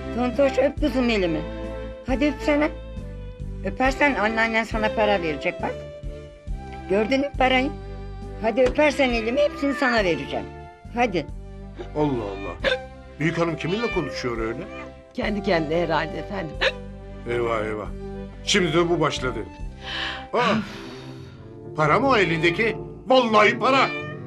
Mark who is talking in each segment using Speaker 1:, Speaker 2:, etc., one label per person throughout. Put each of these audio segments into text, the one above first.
Speaker 1: Tontoş öp kızım elimi. Hadi öpsene. Öpersen anneannen sana para verecek bak. Gördün mü parayı? Hadi öpersen elimi hepsini sana vereceğim. Hadi.
Speaker 2: Allah Allah. Büyük hanım kiminle konuşuyor öyle?
Speaker 3: Kendi kendine herhalde efendim.
Speaker 2: Eyvah eyvah. Şimdi de bu başladı. Aa, para mı o elindeki? Vallahi para.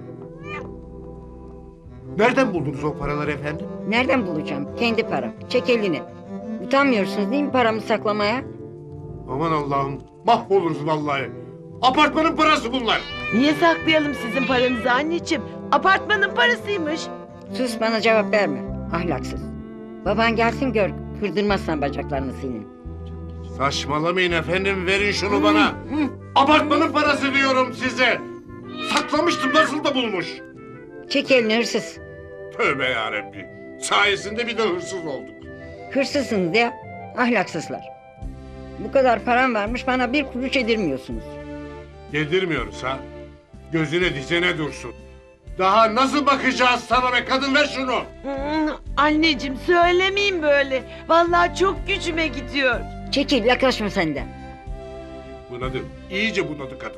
Speaker 2: Nereden buldunuz o paraları efendim?
Speaker 1: Nereden bulacağım? Kendi param. Çek elini. Utanmıyorsunuz değil mi paramı saklamaya?
Speaker 2: Aman Allah'ım. Mahvoluruz vallahi. Apartmanın parası bunlar.
Speaker 3: Niye saklayalım sizin paranızı anneciğim? Apartmanın parasıymış.
Speaker 1: Sus bana cevap verme. Ahlaksız. Baban gelsin gör. Kırdırmazsan bacaklarını senin.
Speaker 2: Saçmalamayın efendim. Verin şunu bana.
Speaker 1: Hı.
Speaker 2: Apartmanın parası diyorum size. Saklamıştım nasıl da bulmuş.
Speaker 1: Çek elini hırsız.
Speaker 2: Tövbe yarabbi. Sayesinde bir de hırsız olduk.
Speaker 1: Hırsızsınız ya. Ahlaksızlar. Bu kadar param varmış bana bir kuruş yedirmiyorsunuz.
Speaker 2: Yedirmiyoruz ha. Gözüne dizene dursun. Daha nasıl bakacağız sana be kadın, ver şunu.
Speaker 3: Anneciğim söylemeyin böyle. Vallahi çok gücüme gidiyor.
Speaker 1: Çekil yaklaşma senden.
Speaker 2: Bunadı. İyice bunadı kadın.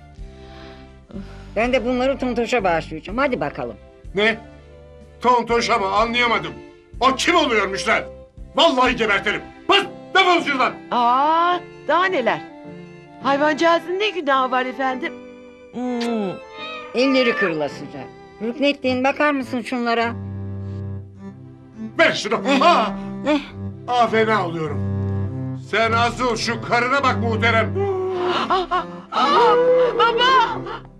Speaker 1: Ben de bunları Tontoş'a bağışlayacağım. Hadi bakalım.
Speaker 2: Ne? Tontoşa mı, anlayamadım. O kim oluyormuş lan? Vallahi gebertirim. Bas, defol şuradan.
Speaker 3: Aa, daha neler? Hayvancağızın ne günahı var efendim?
Speaker 1: Elleri kırılasıca. Rüknettin bakar mısın şunlara?
Speaker 2: Ver şunu. Ha! Fena oluyorum. Sen asıl şu karına bak muhterem.
Speaker 3: Baba!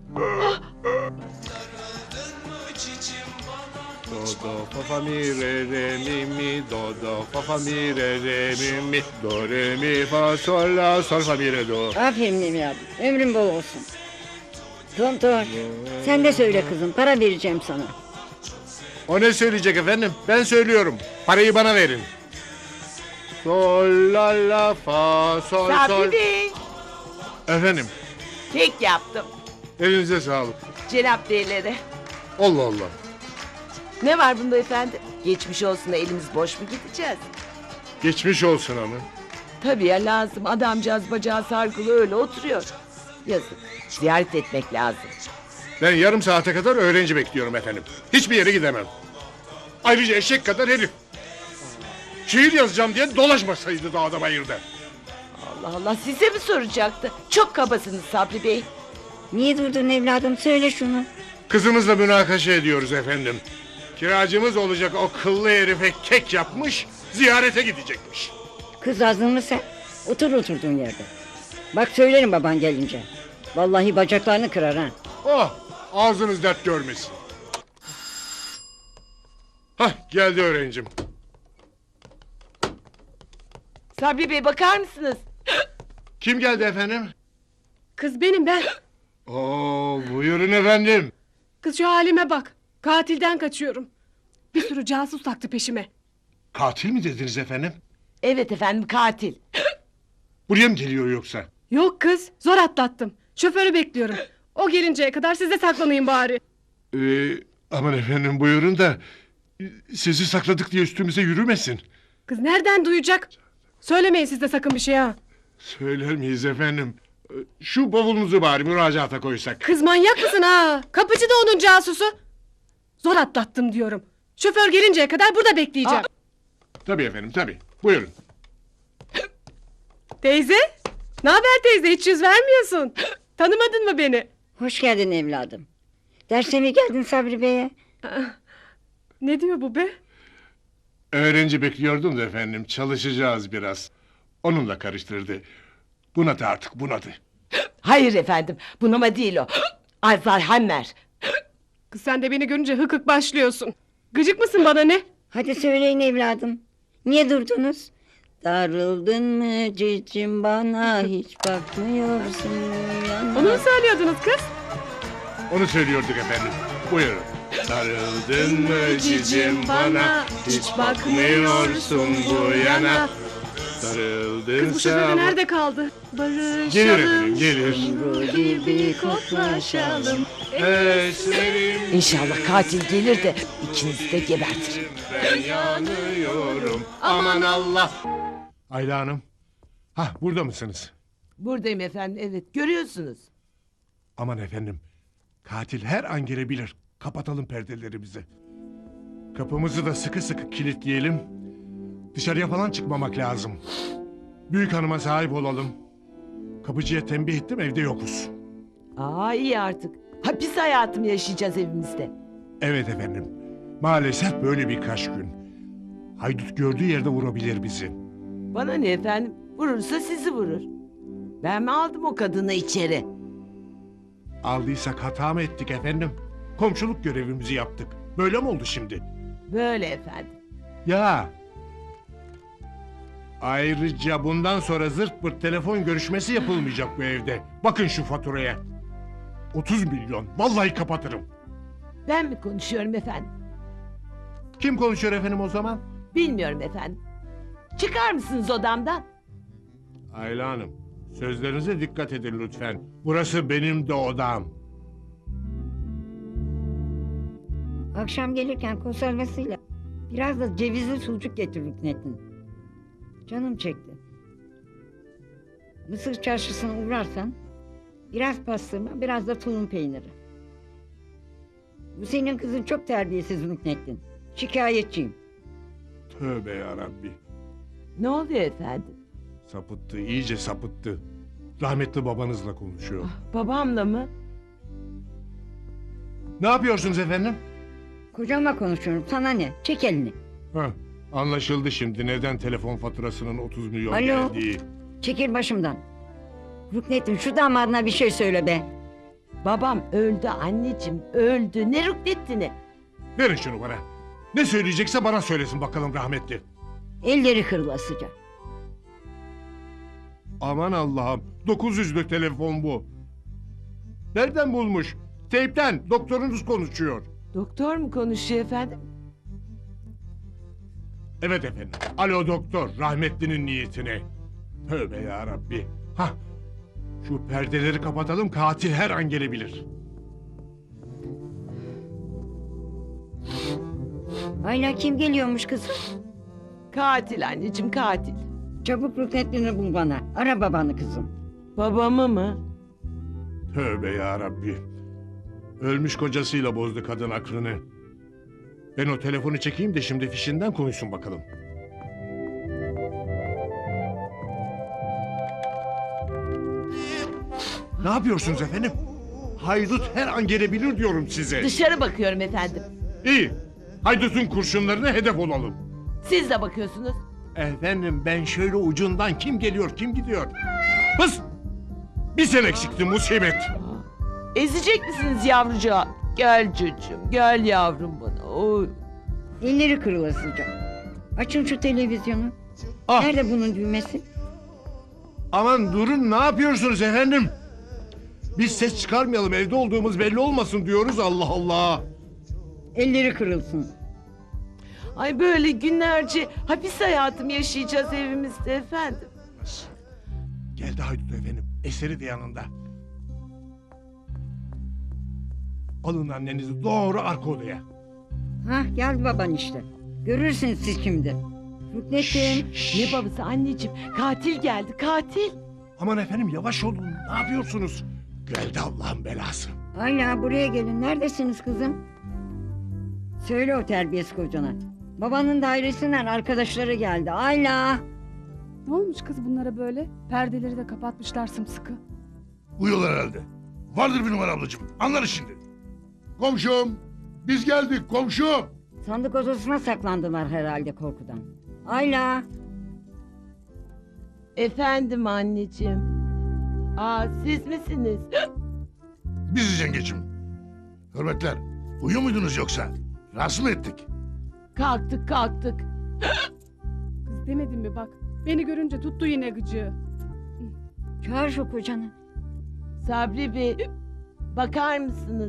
Speaker 2: Do do fa fa mi re re mi mi do do fa fa mi re re mi mi do re mi fa sol la sol fa mi re do.
Speaker 1: Aferin evladım. Ömrün bol olsun. Tontoş sen de söyle kızım. Para vereceğim sana.
Speaker 2: O ne söyleyecek efendim? Ben söylüyorum. Parayı bana verin. Sol la la fa sol sol.
Speaker 3: Sabri Bey,
Speaker 2: Efendim,
Speaker 3: kek yaptım.
Speaker 2: elinize sağlık.
Speaker 3: Cenap beylere.
Speaker 2: Allah Allah.
Speaker 3: Ne var bunda efendim? Geçmiş olsun da elimiz boş mu gideceğiz?
Speaker 2: Geçmiş olsun ama.
Speaker 3: Tabii ya lazım. Adamcağız bacağı sargılı öyle oturuyor. Yazık. Ziyaret etmek lazım.
Speaker 2: Ben yarım saate kadar öğrenci bekliyorum efendim. Hiçbir yere gidemem. Ayrıca eşek kadar herif. Şiir yazacağım diye dolaşmasaydı dağda bayırda.
Speaker 3: Allah Allah size mi soracaktı? Çok kabasınız Sabri Bey.
Speaker 1: Niye durdun evladım? Söyle şunu.
Speaker 2: Kızımızla münakaşa ediyoruz efendim. Kiracımız olacak o kıllı herife kek yapmış, ziyarete gidecekmiş.
Speaker 1: Kız azdın mı sen? Otur oturduğun yerde. Bak söylerim baban gelince. Vallahi bacaklarını kırar ha.
Speaker 2: Oh, ağzınız dert görmesin. Hah, geldi öğrencim.
Speaker 3: Sabri Bey bakar mısınız?
Speaker 2: Kim geldi efendim?
Speaker 4: Kız benim ben.
Speaker 2: Oo, buyurun efendim.
Speaker 4: Kız şu halime bak. Katilden kaçıyorum. Bir sürü casus taktı peşime.
Speaker 2: Katil mi dediniz efendim?
Speaker 3: Evet efendim katil.
Speaker 2: Buraya mı geliyor yoksa?
Speaker 4: Yok kız zor atlattım. Şoförü bekliyorum. O gelinceye kadar size saklanayım bari.
Speaker 2: Aman efendim buyurun da sizi sakladık diye üstümüze yürümesin.
Speaker 4: Kız nereden duyacak? Söylemeyin siz de sakın bir şey ha.
Speaker 2: Söyler miyiz efendim? Şu bavulunuzu bari müracaata koysak.
Speaker 4: Kız manyak mısın ha? Kapıcı da onun casusu. Zor atlattım diyorum. Şoför gelinceye kadar burada bekleyeceğim.
Speaker 2: Tabii efendim tabii. Buyurun.
Speaker 4: Teyze? Ne haber teyze? Hiç yüz vermiyorsun. Tanımadın mı beni?
Speaker 1: Hoş geldin evladım. Derse mi geldin Sabri Bey'e?
Speaker 4: Ne diyor bu be?
Speaker 2: Öğrenci bekliyordum da efendim. Çalışacağız biraz. Onunla karıştırdı. Bunadı artık bunadı.
Speaker 3: Hayır efendim bunama değil o. Alzheimer.
Speaker 4: Kız sen de beni görünce hık hık başlıyorsun. Gıcık mısın bana ne?
Speaker 1: Hadi söyleyin evladım. Niye durdunuz? Darıldın mı cicim bana hiç bakmıyorsun yana.
Speaker 4: Onu mu söylüyordunuz kız?
Speaker 2: Onu söylüyorduk efendim. Buyurun. Darıldın mı cicim bana, hiç bakmıyorsun bu yana. Darıldın
Speaker 4: Kız bu şoför de nerede kaldı? Barışalım.
Speaker 2: Gelir efendim gelir.
Speaker 1: Kumru gibi koklaşalım.
Speaker 2: Esmerim
Speaker 3: İnşallah katil gelir de ikinizi de gebertir.
Speaker 2: ben yanıyorum. Aman Allah. Ayla Hanım. Hah, burada mısınız?
Speaker 3: Buradayım efendim, evet, görüyorsunuz.
Speaker 2: Aman efendim. Katil her an gelebilir. Kapatalım perdelerimizi. Kapımızı da sıkı sıkı kilitleyelim. Dışarıya falan çıkmamak lazım. Büyük hanıma sahip olalım. Kapıcıya tembih ettim, evde yokuz.
Speaker 3: Aa, iyi artık. Hapis hayatımı yaşayacağız evimizde.
Speaker 2: Evet efendim. Maalesef böyle birkaç gün. Haydut gördüğü yerde vurabilir bizi.
Speaker 3: Bana ne efendim? Vurursa sizi vurur. Ben mi aldım o kadını içeri?
Speaker 2: Aldıysak hata mı ettik efendim? Komşuluk görevimizi yaptık. Böyle mi oldu şimdi?
Speaker 3: Böyle efendim.
Speaker 2: Ya. Ayrıca bundan sonra zırt pırt telefon görüşmesi yapılmayacak bu evde. Bakın şu faturaya. 30 milyon. Vallahi kapatırım.
Speaker 3: Ben mi konuşuyorum efendim?
Speaker 2: Kim konuşuyor efendim o zaman?
Speaker 3: Bilmiyorum efendim. Çıkar mısınız odamdan?
Speaker 2: Ayla Hanım, sözlerinize dikkat edin lütfen. Burası benim de odam.
Speaker 1: Akşam gelirken konservasıyla biraz da cevizli sucuk getir Rüknettin. Canım çekti. Mısır çarşısına uğrarsan biraz pastırma, biraz da tulum peyniri. Bu senin kızın çok terbiyesiz Rüknettin. Şikayetçiyim.
Speaker 2: Tövbe yarabbi.
Speaker 3: Ne oluyor efendim?
Speaker 2: Sapıttı, iyice sapıttı. Rahmetli babanızla konuşuyor.
Speaker 3: Babamla mı?
Speaker 2: Ne yapıyorsunuz efendim?
Speaker 1: Kocamla konuşuyorum. Sana ne? Çek elini.
Speaker 2: Heh, anlaşıldı şimdi neden telefon faturasının 30 milyon
Speaker 1: Alo.
Speaker 2: geldiği.
Speaker 1: Çekil başımdan. Rüknettin şu damadına bir şey söyle be.
Speaker 3: Babam öldü anneciğim, öldü. Ne Rüknettin'i?
Speaker 2: Verin şunu bana. Ne söyleyecekse bana söylesin bakalım rahmetli.
Speaker 1: Elleri kırılasıca.
Speaker 2: Aman Allah'ım. 900'lü telefon bu. Nereden bulmuş? Teypten. Doktorunuz konuşuyor.
Speaker 3: Doktor mu konuşuyor efendim?
Speaker 2: Evet efendim. Alo doktor. Rahmetlinin niyetine. Tövbe yarabbi. Hah. Şu perdeleri kapatalım. Katil her an gelebilir.
Speaker 1: Ayla kim geliyormuş kızım?
Speaker 3: Katil anneciğim, katil.
Speaker 1: Çabuk Rüknettin'i bul bana. Ara babanı kızım.
Speaker 3: Babamı mı?
Speaker 2: Tövbe yarabbi. Ölmüş kocasıyla bozdu kadın aklını. Ben o telefonu çekeyim de şimdi fişinden konuşsun bakalım. Ne yapıyorsunuz efendim? Haydut her an gelebilir diyorum size.
Speaker 3: Dışarı bakıyorum efendim.
Speaker 2: İyi. Haydut'un kurşunlarına hedef olalım.
Speaker 3: Siz de bakıyorsunuz.
Speaker 2: Efendim ben şöyle ucundan kim geliyor kim gidiyor. Hız! Bir sen eksiktin musibet.
Speaker 3: Ezecek misiniz yavrucağı? Gel çocuğum, gel yavrum bana. Oy.
Speaker 1: Elleri kırılasıca. Açın şu televizyonu.
Speaker 2: Ah,
Speaker 1: Nerede bunun düğmesi?
Speaker 2: aman durun ne yapıyorsunuz efendim? Biz ses çıkarmayalım evde olduğumuz belli olmasın diyoruz Allah Allah.
Speaker 1: Elleri kırılsın.
Speaker 3: Ay böyle günlerce hapis hayatımı yaşayacağız evimizde efendim.
Speaker 2: Geldi Haydut efendim. Eseri de yanında. Alın annenizi doğru arka odaya.
Speaker 1: Hah geldi baban işte. Görürsünüz siz şimdi. Rüknettin.
Speaker 3: Ne babası anneciğim? Katil geldi, katil.
Speaker 2: Aman efendim yavaş olun. Ne yapıyorsunuz? Geldi Allah'ın belası.
Speaker 1: Ayla buraya gelin. Neredesiniz kızım? Söyle o terbiyesiz kocana. Babanın dairesinden arkadaşları geldi. Ayla.
Speaker 4: Ne olmuş kız bunlara böyle? Perdeleri de kapatmışlar sımsıkı.
Speaker 5: Uyuyorlar herhalde. Vardır bir numara ablacığım. Anlarız şimdi. Komşum. Biz geldik komşum.
Speaker 1: Sandık odasına saklandılar herhalde korkudan. Ayla.
Speaker 3: Efendim anneciğim. Aa, siz misiniz?
Speaker 5: Biziz yengecim. Hürmetler. Uyuyor muydunuz yoksa? Rahatsız mı ettik?
Speaker 3: Kalktık, kalktık.
Speaker 4: Kız demedim mi bak. Beni görünce tuttu yine gıcığı.
Speaker 1: Çağır şu kocanı.
Speaker 3: Sabri Bey, bakar mısınız?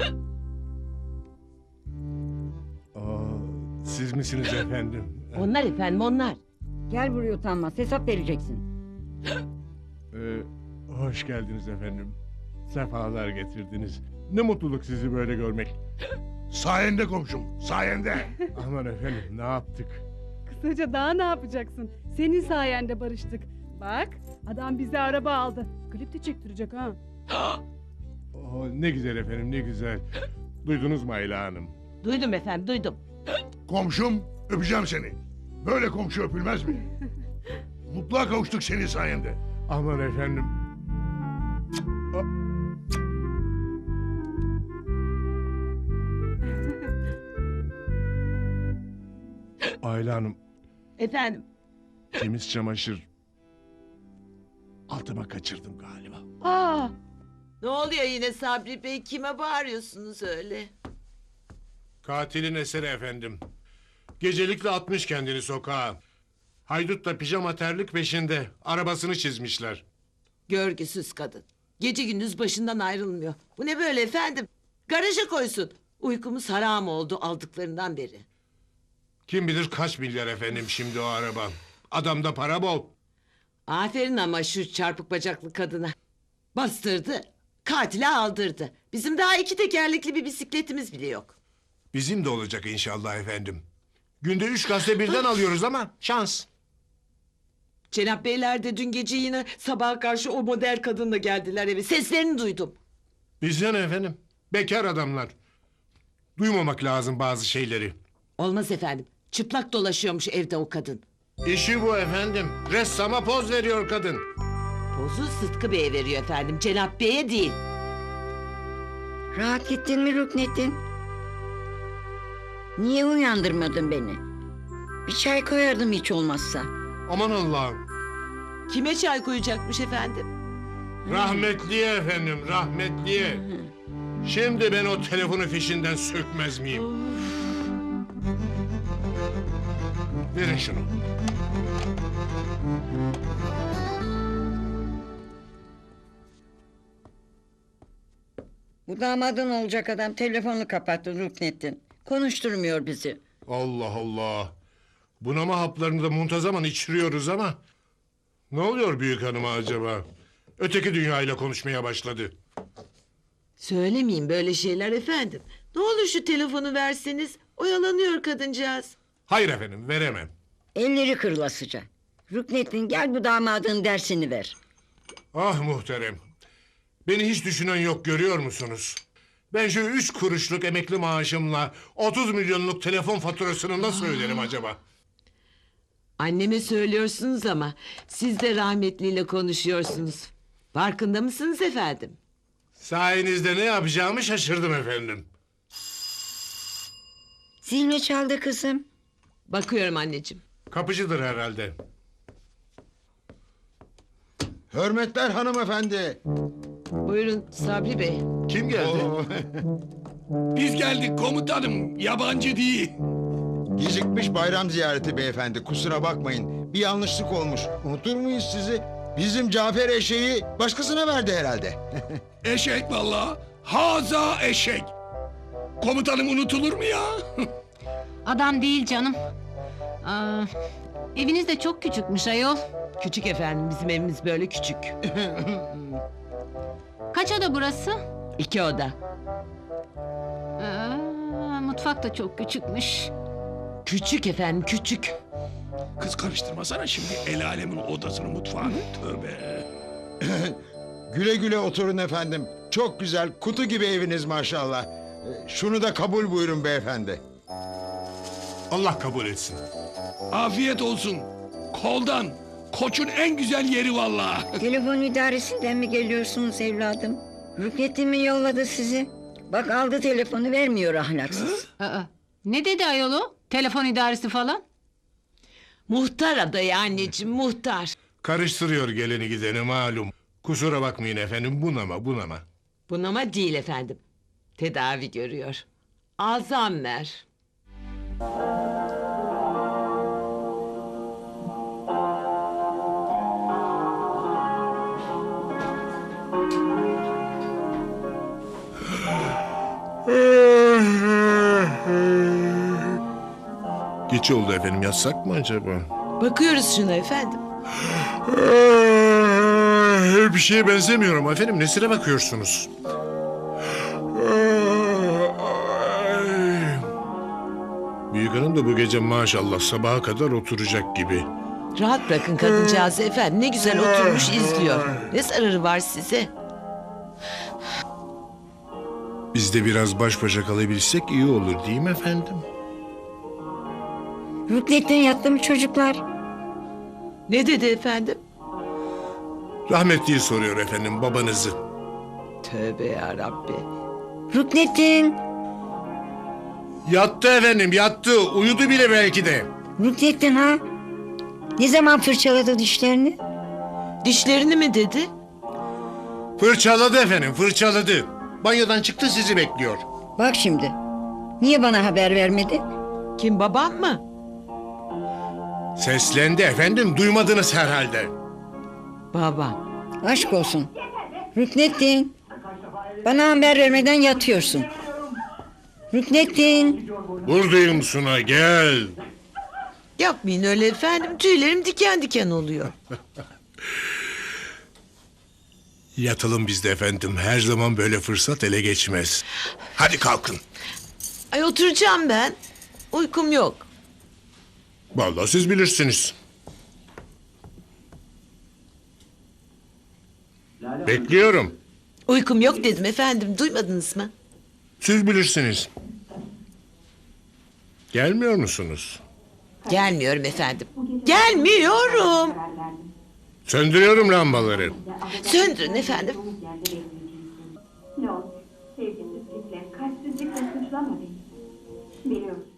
Speaker 2: Aa, siz misiniz efendim?
Speaker 3: Onlar efendim, onlar.
Speaker 1: Gel buraya utanmaz. Hesap vereceksin.
Speaker 2: Hoş geldiniz efendim. Sefalar getirdiniz. Ne mutluluk sizi böyle görmek.
Speaker 5: Sayende komşum, sayende.
Speaker 2: Aman efendim ne yaptık?
Speaker 4: Kısaca daha ne yapacaksın? Senin sayende barıştık. Bak adam bize araba aldı. Klip de çektirecek ha.
Speaker 2: Oh, ne güzel efendim ne güzel. Duydunuz mu Ayla Hanım?
Speaker 3: Duydum efendim duydum.
Speaker 5: Komşum, öpeceğim seni. Böyle komşu öpülmez mi? Mutluluğa kavuştuk senin sayende.
Speaker 2: Aman efendim. Ayla Hanım
Speaker 3: Efendim.
Speaker 2: temiz çamaşır altıma kaçırdım galiba.
Speaker 3: Aa! Ne oluyor yine Sabri Bey? Kime bağırıyorsunuz öyle?
Speaker 2: Katilin eseri efendim. Gecelikle atmış kendini sokağa. Haydut da pijama terlik peşinde. Arabasını çizmişler.
Speaker 3: Görgüsüz kadın. Gece gündüz başından ayrılmıyor. Bu ne böyle efendim? Garaja koysun. Uykumuz haram oldu aldıklarından beri.
Speaker 2: Kim bilir kaç milyar efendim şimdi o araba. Adamda para bol.
Speaker 3: Aferin ama şu çarpık bacaklı kadına. Bastırdı, katile aldırdı. Bizim daha 2 tekerlekli bir bisikletimiz bile yok.
Speaker 2: Bizim de olacak inşallah efendim. Günde 3 gazete birden alıyoruz ama şans.
Speaker 3: Cenap Beyler de dün gece yine sabaha karşı o model kadınla geldiler eve. Seslerini duydum.
Speaker 2: Bizden efendim. Bekar adamlar. Duymamak lazım bazı şeyleri.
Speaker 3: Olmaz efendim. Çıplak dolaşıyormuş evde o kadın.
Speaker 2: İşi bu efendim. Ressama poz veriyor kadın.
Speaker 3: Pozu Sıtkı Bey'e veriyor efendim. Cenap Bey'e değil.
Speaker 1: Rahat gittin mi Ruknettin? Niye uyandırmadın beni? Bir çay koyardım hiç olmazsa.
Speaker 2: Aman Allah'ım.
Speaker 3: Kime çay koyacakmış efendim?
Speaker 2: Rahmetliye efendim, rahmetliye. Şimdi ben o telefonu fişinden sökmez miyim? Verin şunu.
Speaker 1: Bu damadın olacak adam telefonu kapattı Ruknettin. Konuşturmuyor bizi.
Speaker 2: Allah Allah. Bunama haplarını da muntazaman içiriyoruz ama... Ne oluyor büyük hanıma acaba? Öteki dünyayla konuşmaya başladı.
Speaker 3: Söylemeyin böyle şeyler efendim. Ne olur şu telefonu verseniz. Oyalanıyor kadıncağız.
Speaker 2: Hayır efendim, veremem.
Speaker 1: Elleri kırılasıca. Ruknettin gel bu damadın dersini ver.
Speaker 2: Ah muhterem. Beni hiç düşünen yok görüyor musunuz? Ben şu 3 kuruşluk emekli maaşımla 30 milyonluk telefon faturasını nasıl öderim acaba?
Speaker 3: Anneme söylüyorsunuz ama siz de rahmetliyle konuşuyorsunuz. Farkında mısınız efendim?
Speaker 2: Sayenizde ne yapacağımı şaşırdım efendim.
Speaker 1: Zilini çaldı kızım.
Speaker 3: Bakıyorum anneciğim.
Speaker 2: Kapıcıdır herhalde.
Speaker 6: Hürmetler hanımefendi.
Speaker 3: Buyurun Sabri Bey.
Speaker 2: Kim geldi?
Speaker 6: Oo,
Speaker 5: Biz geldik komutanım, yabancı değil.
Speaker 6: gecikmiş bayram ziyareti beyefendi. Kusura bakmayın. Bir yanlışlık olmuş. Unutur muyuz sizi? Bizim Cafer eşeği başkasına verdi herhalde.
Speaker 5: Eşek vallahi, haza eşek. Komutanım unutulur mu ya?
Speaker 7: Adam değil canım. Aa, eviniz de çok küçükmüş ayol.
Speaker 3: Küçük efendim bizim evimiz böyle küçük.
Speaker 7: Kaç oda burası?
Speaker 3: 2 oda.
Speaker 7: Mutfak da çok küçükmüş.
Speaker 3: Küçük efendim küçük.
Speaker 5: Kız karıştırmasana şimdi el alemin odasını, mutfağını. Tövbe.
Speaker 6: Güle güle oturun efendim. Çok güzel, kutu gibi eviniz maşallah. Şunu da kabul buyurun beyefendi.
Speaker 2: Allah kabul etsin.
Speaker 5: Afiyet olsun. Koldan. Koçun en güzel yeri vallahi.
Speaker 1: Telefon idaresinden mi geliyorsunuz evladım? Ruknettin mi yolladı sizi? Bak aldı telefonu vermiyor ahlaksız.
Speaker 7: Ne dedi ayol o? Telefon idaresi falan.
Speaker 3: Muhtar adayı anneciğim muhtar.
Speaker 2: Karıştırıyor geleni gideni malum. Kusura bakmayın efendim bunama.
Speaker 3: Bunama değil efendim. Tedavi görüyor. Alzheimer.
Speaker 2: Geç oldu efendim yatsak mı acaba?
Speaker 3: Bakıyoruz şuna efendim.
Speaker 2: Bir şeye benzemiyorum efendim. Nesine bakıyorsunuz? büyük hanım da bu gece maşallah sabaha kadar oturacak gibi.
Speaker 3: Rahat bırakın kadıncağızı efendim. Ne güzel oturmuş izliyor. Ne zararı var size?
Speaker 2: Biz de biraz baş başa kalabilsek iyi olur değil mi efendim?
Speaker 1: Ruknettin yattı mı çocuklar?
Speaker 3: Ne dedi efendim?
Speaker 2: Rahmetliyi soruyor efendim babanızı.
Speaker 3: Tövbe yarabbi.
Speaker 1: Ruknettin.
Speaker 2: Yattı efendim yattı. Uyudu bile belki de.
Speaker 1: Ruknettin ha? Ne zaman fırçaladı dişlerini?
Speaker 3: Dişlerini mi dedi?
Speaker 2: Fırçaladı efendim fırçaladı. Banyodan çıktı sizi bekliyor.
Speaker 1: Bak şimdi. Niye bana haber vermedi?
Speaker 3: Kim, babam mı?
Speaker 2: Seslendi efendim duymadınız herhalde.
Speaker 3: Babam.
Speaker 1: Aşk olsun. Ruknettin. Bana haber vermeden yatıyorsun. Ruknettin.
Speaker 2: Buradayım Suna gel.
Speaker 3: Yapmayın öyle efendim. Tüylerim diken diken oluyor.
Speaker 2: Yatalım biz de efendim. Her zaman böyle fırsat ele geçmez. Hadi kalkın.
Speaker 3: Ay oturacağım ben. Uykum yok.
Speaker 2: Vallahi siz bilirsiniz. Bekliyorum.
Speaker 3: Uykum yok dedim efendim. Duymadınız mı?
Speaker 2: Siz bilirsiniz. Gelmiyor musunuz?
Speaker 3: Gelmiyorum efendim. Gelmiyorum.
Speaker 2: Söndürüyorum lambaları.
Speaker 3: Söndürün efendim.
Speaker 8: Ne oldu? Sevgimsizlikle, kalpsizlikle suçlama beni. Biliyorum.